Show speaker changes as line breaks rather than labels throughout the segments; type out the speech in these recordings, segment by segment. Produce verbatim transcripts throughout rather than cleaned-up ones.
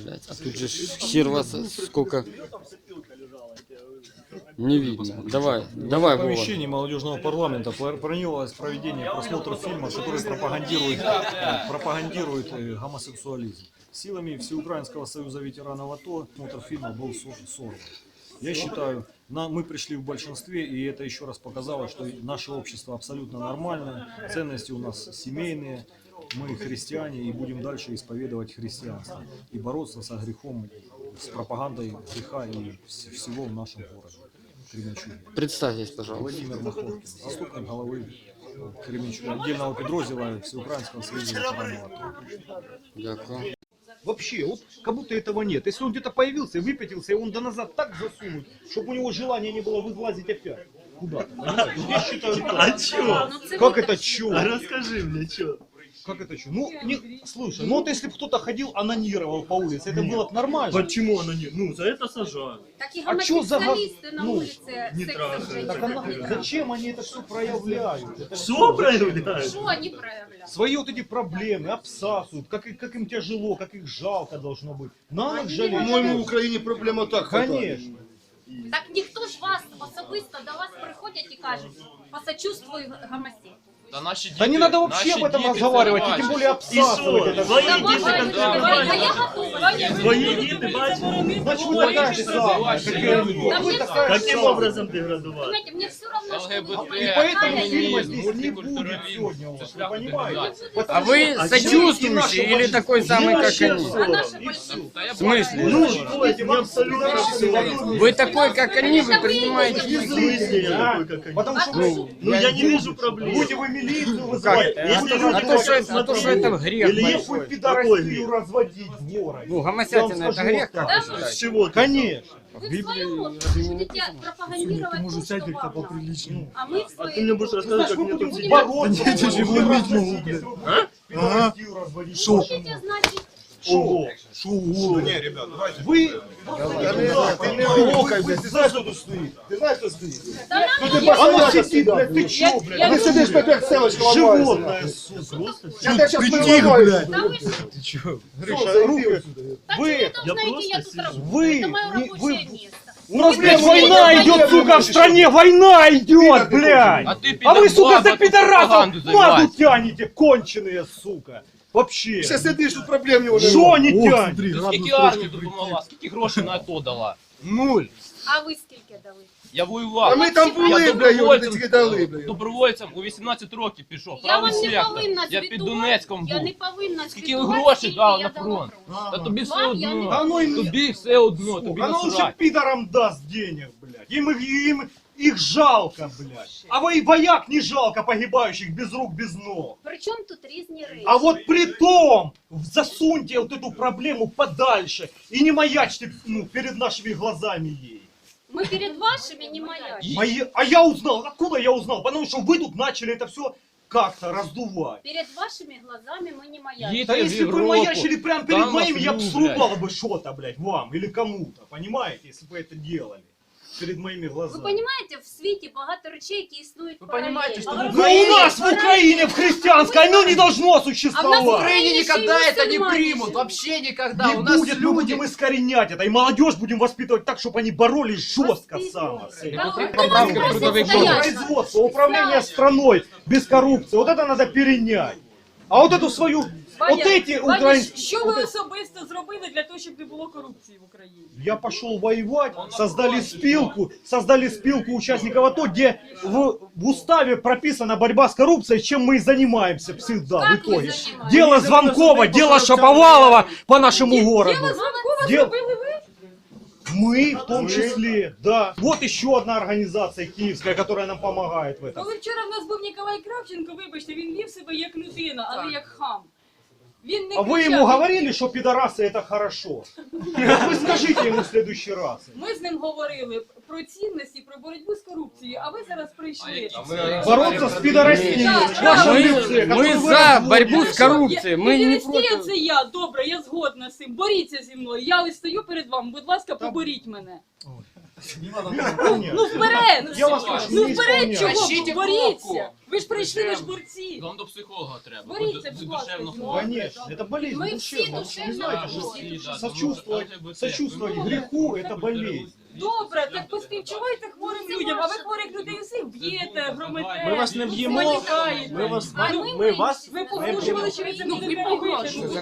блядь. А тут же хер вас сколько... Не видно. Давай, давай,
В
Вова.
помещении молодежного парламента планировалось проведение просмотра фильма, который пропагандирует, пропагандирует гомосексуализм. Силами Всеукраинского союза ветеранов АТО просмотр фильма был сорван. Я считаю, на, мы пришли в большинстве, и это еще раз показало, что наше общество абсолютно нормальное, ценности у нас семейные, мы христиане и будем дальше исповедовать христианство и бороться со грехом, с пропагандой греха и всего в нашем городе Кременчуге.
Представьтесь, пожалуйста.
Владимир Маховкин, заступник головы Кременчуга, отдельного підрозділу Всеукраинского союза ветеранов АТО.
Дякую.
Вообще, вот как будто этого нет. Если он где-то появился и выпятился, и он до назад так засунуть, чтобы у него желания не было вылазить опять куда-то. Я считаю,
А чё?
как это чё?
А расскажи мне, чё?
Как это чё? Ну, не, слушай, ну вот если бы кто-то ходил, анонировал по улице, это было бы нормально.
Почему она не... Ну, за это сажают.
Так и
А чё за газ-
гомосексуалисты на
ну,
улице
не
секс
трахают.
женщин
Так она-
проявляют.
зачем они это все проявляют? Это
Что
всё,
проявляют?
Что они проявляют?
Свои вот эти проблемы обсасывают, как, и- как им тяжело, как их жалко должно быть. Надо
Они
жалеть.
не
По-моему, в Україні проблема так.
Конечно.
Так ніхто ж вас особисто до вас приходять і кажуть, посочувствуй гомосі.
Да, наши дети,
Да не надо вообще
наши
об этом
дети
разговаривать, и
целовать.
тем более
И
обсасывать
что?
это.
Твои
Да,
дети
бывает,
как
бывает, а я готова.
Твои дети, бачишь?
Значит, вы такая же самая, как и они.
Да
Вы
мне
такая же
Каким
самая.
образом деградовать?
Понимаете, мне все равно, что вы
ЛГБТ,
И поэтому
феминизм,
фильма здесь не будет
мультикультурализм.
сегодня у вас,
Це
вы
шлях
понимаете?
деградації.
А вы сочувствующий или такой самый, как они?
А наше
И
большинство.
Та я
В смысле?
Ну, то есть мне абсолютно все равно.
Вы такой, как они, вы
Это вы
принимаете...
идите
В смысле я такой, как они?
Потому что
А
вы
Ну, я не вижу проблем.
будете вы милицию вызывать,
Если
будете
люди
А то, что
разводить,
это, а то, что это грех
Или
если
большой.
вы пидорастию разводить в городе.
Ну,
Я
гомосятина
вам
это
скажу
грех,
вот
как
так.
вы
С
считаете?
чего? ты?
Конечно.
Вы в свою лодку будете пропагандировать то, что вам надо. А мы в
А ты
своей
мне будешь рассказывать, как мне тут сидеть?
Бороться.
дети же
будем
ломить
разводить, если вы будете пидорастию разводить.
будете, значит,
Шо?
Шоу. Не, ребят, давайте.
Вы...
Ты не рокай, блядь, ты знаешь, кто тут стоит? Ты знаешь, кто стоит?
да нам
Ты
не
постоянно
сидит,
сюда,
блядь, ты чё, блядь?
Ты сидишь, как селочка
Животное, сука.
Я тебя сейчас
Притих,
понимаю,
блядь.
Да вы что?
Гриша, руки.
Так
Вы-
вы должны
я
идти, я
просто
тут работаю.
вы-
Это мое
не- вы-
рабочее место.
У нас, блядь,
Вы-
война
вы-
идет,
вы-
сука,
вы-
в стране! Война идет, блядь!
А ты,
А вы, сука, за
пидорас,
пидорасов
пропаганду
мазу
занимаешься.
тянете, конченые, сука! Вообще!
Сейчас сидишь, тут проблем не уже.
Что не тянет?
Ти скільки армії допомогла, скільки грошей на АТО дала? Нуль.
А ви скільки дали?
Я воював.
А ми там
Я
були, блядь,
добровольцем-
вони тільки дали, блядь.
Добровольцем у вісімнадцять років пішов.
Я
Правий
вам не
сектор.
повинна
Я під
звітувати.
Донецьком
Я
був.
не повинна
Скільки
звітувати,
грошей
скільки
дав
я
на
дала
фронт?
фронту.
Та тобі все
Вам я не
одно.
А ну им,
Тобі все одно, тобі
сука, оно уже
насрать.
пидорам даст денег, блядь. Им, им их жалко, блядь. А вы вояк не жалко погибающих без рук, без ног.
Причому тут різні речі?
А вот при том, засуньте вот эту проблему подальше и не маячьте, ну, перед нашими глазами ей.
Ми перед вашими не маячим.
Мои... А я узнал, откуда я узнал? Потому что вы тут начали это все как-то раздувать.
Перед вашими глазами мы не маячим.
Їдьте
Да
в
если бы вы
Європу.
маячили прямо перед
Там
моим, я бы
вас
срубал бы что-то, блядь, вам или кому-то, понимаете, если бы вы это делали. Перед моими
Ви
глазами.
розумієте, в світі багато речей, які існують
Ви
паралельно.
понімаєте, що
А
ви-
в
Но у нас в Украине, в христианской, оно не должно
А в нас в
существовать.
Украине
никогда
еще и
это не
мусульмане
примут,
живут.
вообще никогда.
Не
У нас
будет, мы
люди...
будем искоренять это. И молодежь будем воспитывать так, чтобы они боролись жестко
Воспитывать.
само. с этим.
Да,
При-
кто вас
поправка
просит
трудовых
стоять?
Производство, управление страной без коррупции. Вот это надо перенять. А вот эту свою, вот эти украинские...
Що ви особисто зробили для того, щоб не було корупції в Україні?
Я пошел воевать, создали спилку, создали спилку участников АТО, где в, в уставе прописана борьба с коррупцией, чем мы и занимаемся всегда в
Как вы
итоге.
занимаетесь?
Дело Звонкова, дело Шаповалова по нашему городу.
Діло Звонкова
Дел-
зробили ви?
Мы в том числе, да. Вот еще одна организация киевская, которая нам помогает в этом.
Коли вчора в нас був Ніколай Кравченко, вибачте, він вів себе як людина, а не як хам. Він не
А вы
кричав.
ему говорили, что пидорасы это хорошо? Вы скажите ему в следующий раз.
Ми з ним говорили про цінності, про боротьбу з корупцією, а ви зараз прийшли.
Бороться с пидорастией.
Да,
в вашем
Мы,
лице,
мы
которую вы
за
разводите.
борьбу с коррупцией, мы не
Педерастія
против.
це я, добре, я згодна з цим. Боріться зі мною. Я ось стою перед вами, будь ласка, поборіть мене. Ну вперед!
Я вас прошу,
Ну
не
вперед,
исполняйте.
чого?
Тащіть
Боріться!
кнопку.
Ви ж прийшли, ви ж борці!
Вам до психолога треба.
Боріться,
Ви
будь
душевно
ласка.
хворі.
Конечно, это болезнь
Мы
душевная.
все
Вы
душевно
знаете,
больны.
что сочувствовать, сочувствовать греху – это болезнь.
Добре, так поспівчувайте хворим людям, а ви хворих людей усіх б'єте, громите.
Ми вас не б'ємо,
спотикаєте.
ми вас,
А
ми,
ми-
ми вас
Ви погрожували, що ви це
Ну,
не
ви
погрожували.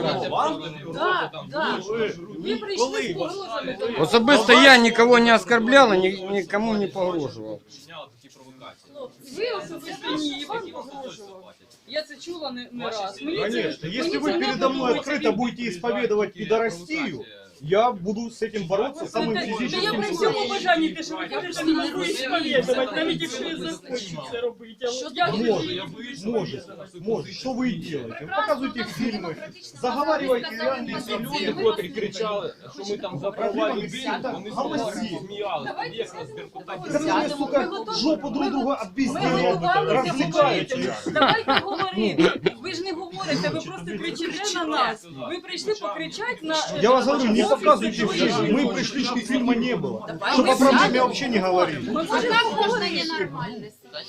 Так, так. Ви прийшли з погрозами. до нас.
Особисто я никого не оскорблял и ни- никому не погроживал.
Ви особисто ні, і вам погрожував. Я це чула не, не раз. Мені це-
Конечно,
мені
если
це
вы
не
передо мной
подобається.
открыто будете исповедовать пидорастию, я буду с этим бороться самым
Та я
физическим
при всьому
способом.
бажанні те, що ви кажете, не можу сповідувати, навіть якщо я захочу це робити. А от я
Может, может, может. Что вы и делаете? Показывайте фильмы, заговаривайте реальные
Люди, котрі кричали, що ми там за права людей, вони
Голоси.
сміялися. Як нас Беркута
Которые, сука, жопу друг друга
Ми
объясняют,
готувалися
развлекаете.
говорити. Давайте говорити. Ви ж не говорите, ви просто кричите на нас. Ви прийшли покричати на...
Я вас говорю, не показывайте фильм. Мы пришли, чтобы фильма не было. Чтобы о проблеме вообще не говорили.
Ми
А
можемо
как можно
говорити.
ненормально?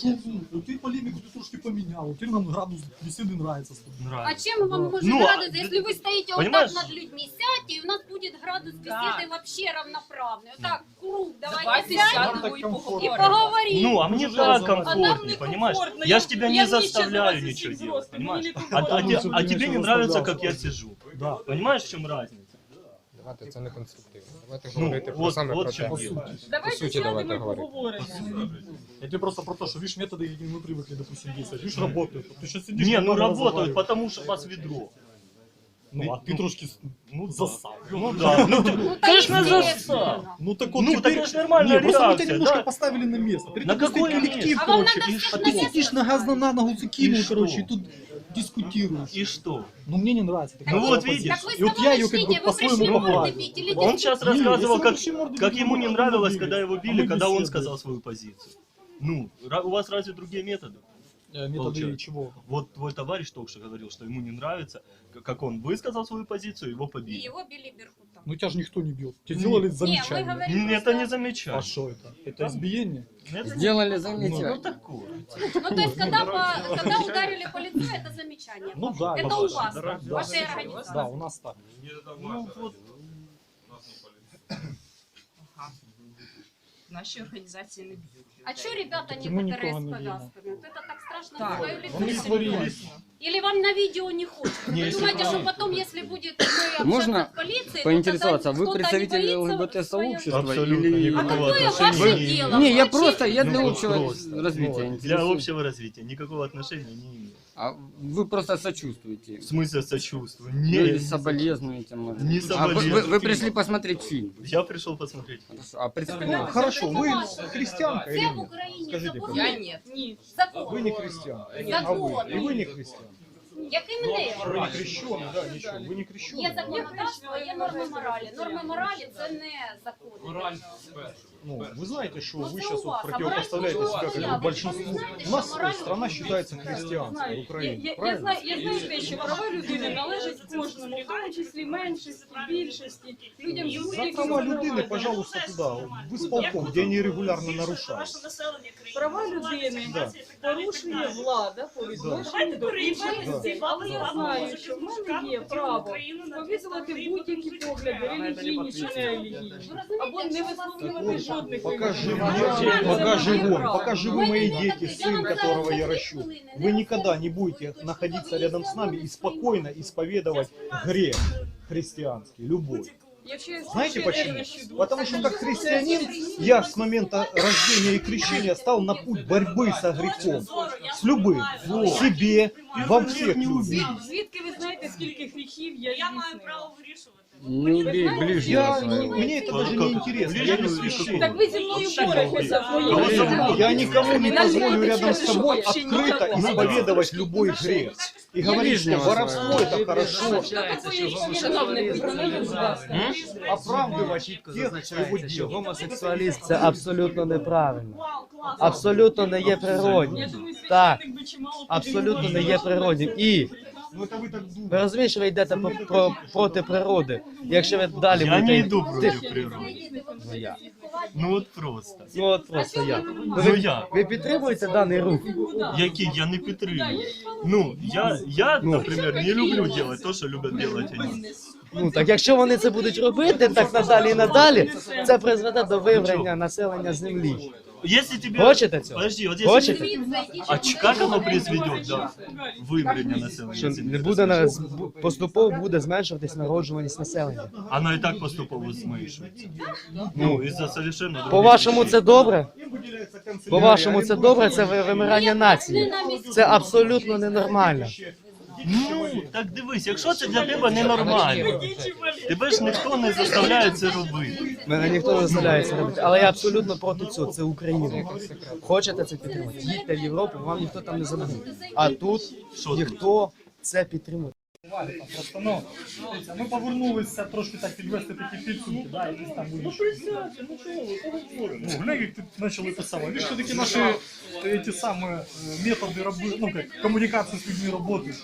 Ты полемику ты трошки поменял, теперь нам градус беседы нравится.
А чем вам может
Ну, а
градус, если вы стоите вот
понимаешь?
так над людьми, сядьте, и у нас будет градус беседы вообще равноправный. Вот так, круг,
Давайте
давайте сядем
сядемо і
и
поговоримо.
поговорим.
Ну, а мне так
А нам
комфортнее,
не
понимаешь?
комфортно,
Я
я-
ж тебя
я
не
вместе
заставляю
за вас
ничего
всех
делать,
взрослых,
понимаешь?
мне не
А, а
комфортно.
те- а тебе не нравится, как я сижу.
Да.
Понимаешь, в чем разница?
Давайте, це не конструктивно. Давайте
Ну,
говорити про
вот,
саме
вот
про
в чем
те.
дело.
Давайте
суті,
сядемо
давайте
і
говорити.
поговоримо.
Я тебе просто про то, что, видишь, методы, какие мы привыкли, допустим, действовать, видишь, работают. Ты сейчас
сидишь,
Не, ну
нормально
работают,
разговариваешь.
потому что вас ведро.
Ну, а ты трошки
Ну,
засал.
Ну да, ну,
Ну,
конечно,
естественно.
засал.
Ну так вот
Ну,
теперь...
так это ж нормальная
Не, просто мы тебя
реакция,
немножко
да?
поставили на место. Перед
На
тобой стоит
какое
коллектив,
А вам
короче,
надо
и
всех
а
на
ты
место
сидишь на газ на ногу закинул,
И
короче,
что?
и тут дискутируешь.
И что?
Ну мне не нравится. такая
Ну вот
позиция.
видишь.
Так вы
И вот я ее как бы
начните, вы пришли
по-своему
морды
поправил.
бить или
Он сейчас
Не,
рассказывал,
если
как,
вообще морды
как
бить,
ему
мы
не
морды
нравилось,
били.
когда его
А
били,
мы
когда он
беседуем.
сказал свою позицию. Ну, ра- у вас разве другие методы?
Методы
Получается.
чего?
Вот твой товарищ только что говорил, что ему не нравится, к- как он высказал свою позицию, его
И
побили.
его били беркутом.
Ну тебя же никто не бил. Тебе сделали
Не, мы
замечание.
говорим
М,
просто-
Это не
А
замечание.
что это? Это избиение?
Это не-
Сделали
Ну,
замечание.
такое.
Ну, то есть, когда, по- когда ударили по лицу, это замечание.
Ну да.
Это
да.
у вас,
Да,
в вашей организации.
Да, у нас так.
Ну, вот.
Наші організації не б'ють.
А что ребята
Так ему
некоторые
никого
с
не видно.
повязками? Вот это так страшно
Так,
на свое лицо
Он не
смотреть.
сварились.
Или вам на видео не хочется? Вы думаете, что потом, если будет мы общаться
Можно
с полицией, то
поинтересоваться,
тогда
вы
кто-то не
представитель
боится
ЛГБТ-сообщества
Абсолютно
или...
А
никакого
какое
отношения
ваше
не
дело?
имею.
Не, я
Вы
просто, я
вообще
для
Ну,
общего
просто,
развития
Для
интересуюсь.
общего развития никакого отношения не имею.
А вы просто сочувствуете.
В смысле сочувствую?
Ну, или
Не,
соболезнуете, может.
Не
А вы,
соболезную.
вы- вы пришли посмотреть фильм.
я пришел посмотреть.
Хорошо. А представь,
Ну, хорошо, вы христианка или
Це в
нет?
Україні
Скажите,
закон.
Я ні. Ні.
Закон.
Вы не христианка. А
Закон.
вы? И вы не христианка.
Який мене?
Вы не крещеный, да, ничего. Вы не
Є
крещеный.
законодавство, є норми моралі. Норми моралі це не закони.
Мораль спершу.
Ну, вы знаете, что
Ну,
вы
это
сейчас
у
вот
вас.
противопоставляете
А
себя
мораль
как
я.
бы большинству.
Вы знаете,
У нас
что мораль-
страна считается христианской,
Знаю. Я,
Украина.
я, я,
Правильно?
знаю, я знаю те, що права людини належать кожному, в тому числі меншості, більшості, людям з
За
будь-якими
права людины,
здоров'ям.
пожалуйста, туда, в исполком, где они регулярно нарушают.
Права людини
Да.
порушує влада по відношенню до інших
Да.
людей. Але я знаю, що в мене є право сповідувати будь-які погляди, релігійні чи не релігійні, або не висловлювати жодних
Покажи
релігійних
мне,
поглядів.
пока
Є
живой,
право.
пока живы мои дети, сын, которого я ращу, вы никогда не будете находиться рядом с нами и спокойно исповедовать грех христианский, любой.
Якщо я
Знаете
ще
почему?
ревнощу душу,
Потому что как христианин я с момента рождения и крещения стал на путь борьбы со грехом. С любым. В себе, во всех людях.
Звідки ви знаєте, скільки гріхів я
Я маю
здійснила?
право вирішувати.
не убей ближнего
Я,
своего.
мне это даже не интересно, я не священник.
Так ви зі мною боретеся в моїй
Кого
житті.
зовут?
Я никому не позволю рядом с тобой
Вообще
открыто
никого.
исповедовать любой грех. И говорить, что воровство это хорошо.
Шановний, представте, будь ласка.
Оправдывать тех, кто его делает.
Гомосексуалізм це абсолютно неправильно. Абсолютно не є природнім.
Я думаю,
Так,
священник би чимало
абсолютно не є природнім. І
Ну это вы так
Ви
думаете.
розумієте, що ви йдете по, про, проти природи. Якщо ви далі
Я
будете...
не иду
Ти-
против природы.
Ну, я.
Ну вот просто.
Ну от просто я.
Ну
Ви,
я.
ви підтримуєте даний рух?
Який я не підтримую. Ну, я, я, наприклад, не люблю делать то, що люблять делать вони.
Ну так якщо вони це будуть робити, так надалі і надалі, це призведе до виврання населення землі.
Если тебе...
Хочете цього?
Подожди, вот если...
Хочете?
А ч- как оно произведет, да? Выбрание населения
Що
земли?
не буде на зб- поступово буде зменшуватись народжуваність населення.
Оно и так поступово зменшується. Ну, із-за совершенно других
По-вашому,
причин.
це добре? По-вашому, це добре? Це ви- вимирання нації. Це абсолютно ненормально.
Ну, так дивись, якщо це для тебе ненормально, тебе ж ніхто не заставляє це робити.
Мене ніхто не заставляє це робити. Але я абсолютно проти цього. Це Україна. Хочете це підтримати? Їдьте в Європу, вам ніхто там не забуде. А тут ніхто це підтримує.
Просто, ну, дивіться, ми повернулися трошки так підвести такі підсумки, да, і десь там були. Ну, глянь, як ти почали писати. Ви ж все-таки наші е, ті самі е, методи роби, ну, як, комунікації з людьми роботи.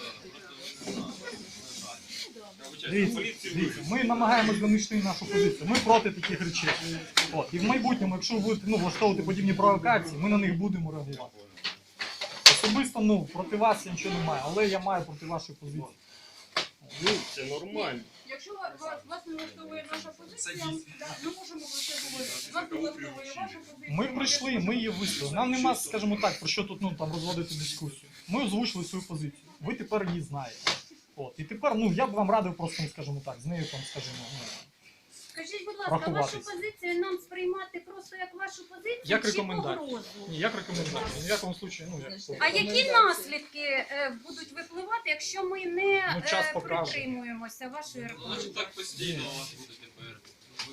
Дивіться, дивіться, ми намагаємось донести нашу позицію. Ми проти таких речей. От. І в майбутньому, якщо ви будете ну, влаштовувати подібні провокації, ми на них будемо реагувати. Особисто, ну, проти вас я нічого не маю, але я маю проти вашої позиції.
Ну, це нормально.
Якщо вас, вас не влаштовує наша позиція, ми можемо про це говорити. Вас не влаштовує ваша позиція.
Ми прийшли, ми її висловили. Нам нема, скажімо так, про що тут ну, там, розводити дискусію. Ми озвучили свою позицію. Ви тепер її знаєте. От. І тепер ну, я б вам радив просто, скажімо так, з нею там, скажімо, ну,
Скажіть, будь ласка, вашу
рахуватись.
позицію нам сприймати просто як вашу позицію
Як
чи
рекомендацію.
погрозу?
Ні, як рекомендація. Ні в якому случаю, ну, як
А які наслідки е, будуть випливати, якщо ми не
Ну, час
е,
покаже.
притримуємося вашої рекомендації?
Так постійно у вас буде тепер.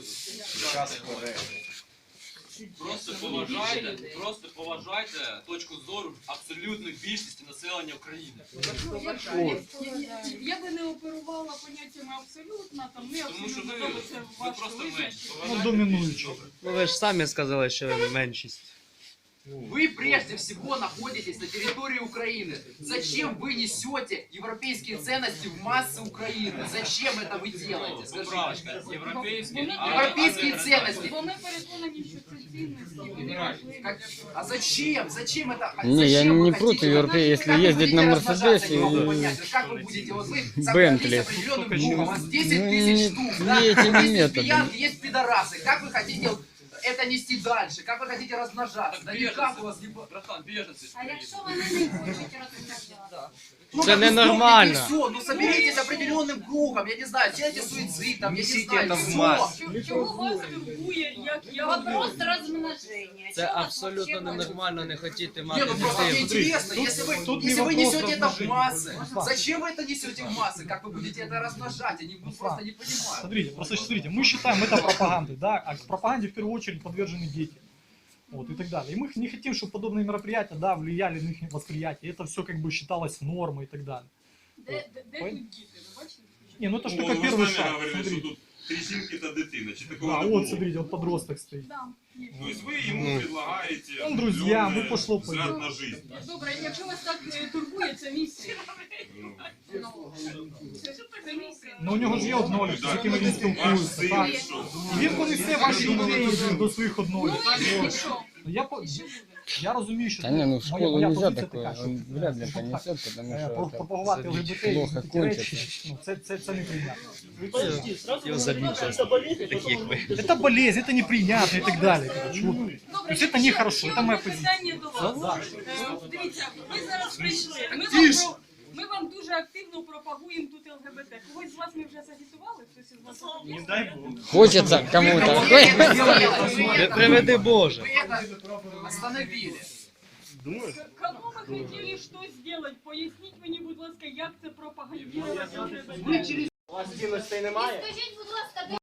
Просто поважайте, просто поважайте точку зору абсолютної більшості населення України.
Я би не оперувала поняттями абсолютно, там не
Тому що
абсолютно,
ви,
тому це
ви
ваше
просто
визначення.
менше.
ну, домінуючи.
Ну ви ж самі сказали, що ви меншість.
Вы прежде всего находитесь на территории Украины. Зачем вы несете европейские ценности в массы Украины? Зачем это вы делаете? Скажите.
Поправочка, європейські, а-
Европейские
а-
ценности.
Вони переконані, що це цінності, вони важливі.
Как- А зачем? Зачем это? А
Не, я
зачем вы
не
хотите?
против европе, если
Как вы
ездить на
будете
Мерседесе
размножаться, не могу
и
понять. Как вы будете? Вот вы
Бентли.
собрались определенным кругом, у вас десять
Ну,
тысяч
не-
штук,
не
да?
этими
Есть
методами.
лесбиянки, есть пидорасы. Как вы хотите это нести дальше? Как вы хотите размножаться? Да никак у вас не... по-
Братан, біженці ж
А якщо
приїдуть.
вони не хочуть розмовляти?
Ну,
Це
так
ненормально.
устроите всё, ну соберитесь определенным кругом, я не знаю, делайте суицид, там, я не знаю,
это в
всё.
массы.
Чого- Чого вас турбує, як я
Вопрос розмноження.
Це
Чого вас
абсолютно
вообще болить?
ненормально не хотіти
Не,
мати
ну просто мне
дитину.
интересно, если вы,
тут не
если вы
вопрос
несете это в
размножения.
массы, зачем вы это несете в массы? Как вы будете это размножать? Я не, ну, просто не понимаю.
Смотрите, просто смотрите, мы считаем это пропагандой, да, а к пропаганде в первую очередь подвержены дети. Вот, и так далее. И мы не хотим, чтобы подобные мероприятия, да, влияли на их восприятие. Это все как бы считалось нормой и так далее.
Де, де, де тут діти, ви бачите?
Не, ну это ж
Ну,
только
ви
первый
самі
шаг.
говорили, що
Смотрите.
тут три жінки та дитина. Чи такого
Да,
не було?
вот смотрите, вот подросток стоит.
Да, є.
Тобто ви йому предлагаєте
Ну, друзья,
определенний
ну, пошло,
взгляд
пойдет.
на жизнь.
Добре, якщо вас так е, турбує, це місія.
Ну,
Це, це місія.
Но у нього ж є однолітки, з якими він
ваш
спілкується.
син,
Так.
що?
Він понесе ваші ідеї до своїх однолітків.
Ну і
От.
що?
Ну, Я, по- я розумію, що
Да не, ну в
моя-
школу
моя
нельзя
позиція
такое,
така, що,
он вряд ли
скажімо так,
понесет, потому
е,
что
про-
это
пропагувати ЛГБТ і
плохо
такі речі,
кончится.
ну, це, це, це неприйнятно.
Подожди, сразу
Його
вы
забить
говорите,
сейчас.
это болезнь,
Такие, как вы.
Это болезнь, это неприятно и так далее. Короче, вот. То
Добре,
есть это
ще-
нехорошо,
ще
это
одне
моя позиция.
питання до вас. Е, Дивіться, ви зараз прийшли. Ми вам, про- ми вам дуже активно пропагуємо тут ЛГБТ. Когось з вас ми вже загітували? Хтось із вас
не
є?
дай бог.
Хочется кому-то.
Вы это сделали, вы это-
Приведи Боже.
вы это остановили.
Думаешь?
Кому ви хотіли що зробити? Поясніть мені, будь ласка, як це пропагандувати ЛГБТ?
Скажіть, будь ласка,